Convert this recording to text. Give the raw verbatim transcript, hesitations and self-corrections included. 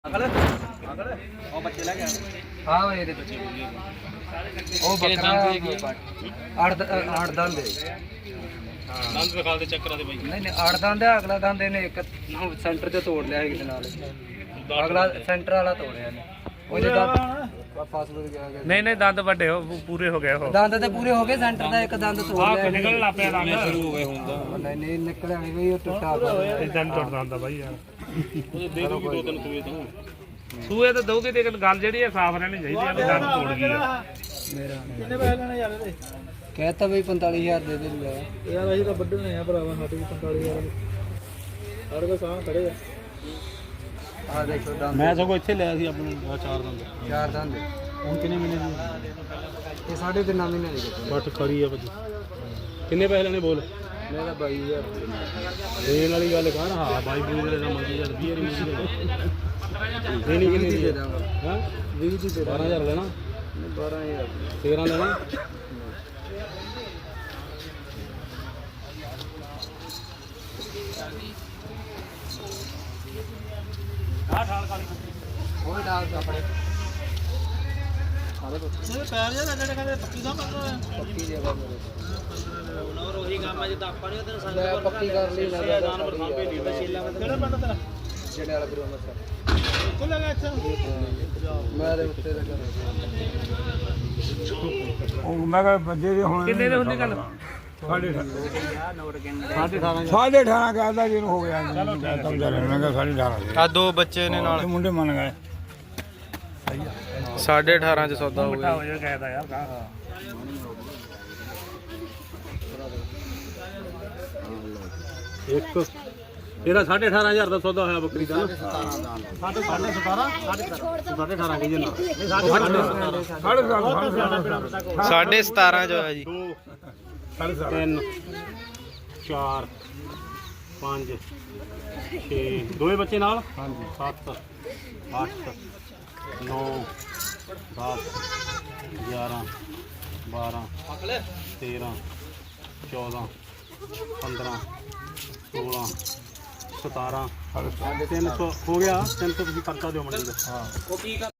ਅਗਲ ਅਗਲ ਉਹ ਬੱਚੇ ਲੈ ਗਿਆ ਹਾਂ ਇਹਦੇ ਬੱਚੇ ਉਹ ਬੱਕਰਾ ਅੱਠ ਅੱਠ ਦੰਦ ਹੈ ਦੰਦ ਵਿਖਾ ਦੇ ਚੱਕਰਾਂ ਦੇ ਬਾਈ ਨਹੀਂ ਨਹੀਂ ਅੱਠ ਦੰਦ ਹੈ ਅਗਲਾ ਦੰਦ ਇਹਨੇ ਇੱਕ ਸੈਂਟਰ ਤੇ ਤੋੜ ਲਿਆ ਇੱਕ ਨਾਲ ਅਗਲਾ ਸੈਂਟਰ ਵਾਲਾ ਤੋੜਿਆ ਨੇ ਉਹਦੇ ਦੰਦ ਫਾਸਲ ਗਿਆ ਨਹੀਂ ਨਹੀਂ ਦੰਦ ਵੱਡੇ ਹੋ ਪੂਰੇ ਹੋ ਗਏ ਉਹ ਦੰਦ ਤੇ ਪੂਰੇ ਹੋ ਗਏ ਸੈਂਟਰ ਦਾ ਇੱਕ ਦੰਦ ਤੋੜ ਲਿਆ ਨਿਕਲਣ ਲੱਗ ਪਿਆ ਦੰਦ ਸ਼ੁਰੂ ਹੋ ਗਏ ਹੁੰਦਾ ਨਹੀਂ ਨਹੀਂ ਨਿਕਲਿਆ ਨਹੀਂ ਬਈ ਉਹ ਟੁੱਟਾ ਪਿਆ ਇਹ ਦੰਦ ਟੁੱਟ ਜਾਂਦਾ ਬਾਈ ਯਾਰ ਉਹਦੇ ਦੇ ਦੂਗੀ ਦੋ ਤਿੰਨ ਸੂਏ ਤੋਂ ਸੂਏ ਤਾਂ ਦਊਗੀ ਤੇ ਗੱਲ ਜਿਹੜੀ ਹੈ ਸਾਫ਼ ਰਹਿਣੀ ਚਾਹੀਦੀ ਆ ਵੀ ਦੰਦ ਤੋੜ ਗਈ ਆ ਮੇਰਾ ਕਿੰਨੇ ਪੈਸੇ ਲੈਣੇ ਯਾਰ ਇਹਦੇ ਕਹਿਤਾ ਬਈ ਪੰਤਾਲੀ ਹਜ਼ਾਰ ਦੇ ਦੇ ਲਿਆ ਯਾਰ ਅਸੀਂ ਤਾਂ ਵੱਢਣੇ ਆ ਭਰਾਵਾ ਸਾਡੇ ਵੀ ਪੰਤਾਲੀ ਹਜ਼ਾਰ ਸਾਡੇ ਕੋਲ ਸਾਹ ਖੜੇ ਆ ਆ ਦੇਖੋ ਦੰਦ ਮੈਂ ਸਗੋਂ ਇੱਥੇ ਲਿਆ ਸੀ ਆਪਣੇ ਆ ਚਾਰ ਦੰਦ ਚਾਰ ਦੰਦ ਹੁਣ ਕਿੰਨੇ ਮਹੀਨੇ ਦੀ ਇਹ ਸਾਢੇ ਤਿੰਨ ਮਹੀਨੇ ਦੀ ਕੀਤੀ ਬੱਟ ਖਰੀ ਆ ਭਾਜੀ ਕਿੰਨੇ ਪੈਸੇ ਲੈਣੇ ਬੋਲ ਮੇਰਾ ਬਾਈ ਹਜ਼ਾਰ ਦੇਣ ਵਾਲੀ ਗੱਲ ਕਰ ਹਾਂ ਬਾਈ ਬੂਈ ਦਾ ਮੰਗੀ ਯਾਰ ਵੀਹ ਵਾਰੀ ਮੰਗੀ ਦੇਣੀ ਕਿੰਨੀ ਦੇ ਦੀ ਦਾਂਗਾ ਹਾਂ ਵੀਹ ਦੀ ਦੇ ਬਾਰਾਂ ਹਜ਼ਾਰ ਲੈਣਾ ਬਾਰਾਂ ਹਜ਼ਾਰ ਤੇਰਾਂ ਲੈਣਾ ਉਹ ਡਾਲ ਆਪਣੇ ਇਹ ਪੈਰ ਜਿਹਾ ਜਿਹੜੇ ਕਹਿੰਦੇ ਪੱਕੀ ਦਾ ਮਤਲਬ ਪੱਕੀ ਜਗ੍ਹਾ ਮੇਰੇ ਹੋਰ ਉਹੀ ਕੰਮ ਆ ਜਿੱਦਾਂ ਆਪਾਂ ਨਹੀਂ ਉਹਦੇ ਮੈਂ ਪੱਕੀ ਕਰ ਲਈ ਨਾ ਜਾਨਵਰ ਸਾਂਭੇ ਨਹੀਂ ਮਸ਼ੀਲਾ ਕਿਹੜਾ ਪਿੰਡ ਤੇਰਾ ਜਿਹੜੇ ਵਾਲਾ ਗੁਰੂ ਮਸਾ ਕੋਲ ਲਗਾ ਇੱਥੇ ਮੈਂ ਦੇ ਉੱਤੇ ਦਾ ਉਹ ਮੈਂ ਕਿਹਾ ਬੰਦੇ ਦੇ ਹੁਣ ਕਿੰਨੇ ਦੇ ਹੁੰਦੀ ਗੱਲ ਸਾਢੇ ਸਾਢੇ ਅਠਾਰਾਂ ਸਾਢੇ ਅਠਾਰਾਂ ਕਹਿੰਦਾ ਜਿਹਨੂੰ ਹੋ ਗਿਆ ਚਲੋ ਸਮਝਾ ਲੈ ਮੈਂ ਕਿਹਾ ਸਾਢੇ ਅਠਾਰਾਂ ਆ ਦੋ ਬੱਚੇ ਨੇ ਨਾਲ ਤੇ ਮੁੰਡੇ ਮੰਨ ਗਏ ਸਾਢੇ ਅਠਾਰਾਂ ਚ ਸੌਦਾ ਹੋ ਮਿੱਠਾ ਹੋ ਜਾ ਕਹਿਦਾ ਯਾਰ ਕਾ ਇੱਕ ਇਹਦਾ ਸਾਢੇ ਅਠਾਰਾਂ ਹਜ਼ਾਰ ਦਾ ਸੌਦਾ ਹੋਇਆ ਬੱਕਰੀ ਦਾ ਸਾਢੇ ਸਾਢੇ ਸਤਾਰਾਂ ਸਾਢੇ ਅਠਾਰਾਂ ਕਹੀ ਜਨਾ ਸਾਢੇ ਸਤਾਰਾਂ ਸਾਢੇ ਸਤਾਰਾਂ ਚ ਹੋਇਆ ਜੀ ਦੋ ਸਾਢੇ ਸਤਾਰਾਂ ਤਿੰਨ ਚਾਰ ਪੰਜ ਛੇ ਦੋਵੇਂ ਬੱਚੇ ਨਾਲ ਹਾਂਜੀ ਸੱਤ ਅੱਠ ਨੌ ਦਸ ਗਿਆਰਾਂ ਬਾਰਾਂ ਤੇਰਾਂ ਚੌਦਾਂ ਪੰਦਰਾਂ ਸੋਲਾਂ ਸਤਾਰਾਂ ਤਿੰਨ ਸੌ ਹੋ ਗਿਆ ਤਿੰਨ ਸੌ ਤੁਸੀਂ ਖਰਚਾ ਦਿਓ ਮੰਡੀ ਦਾ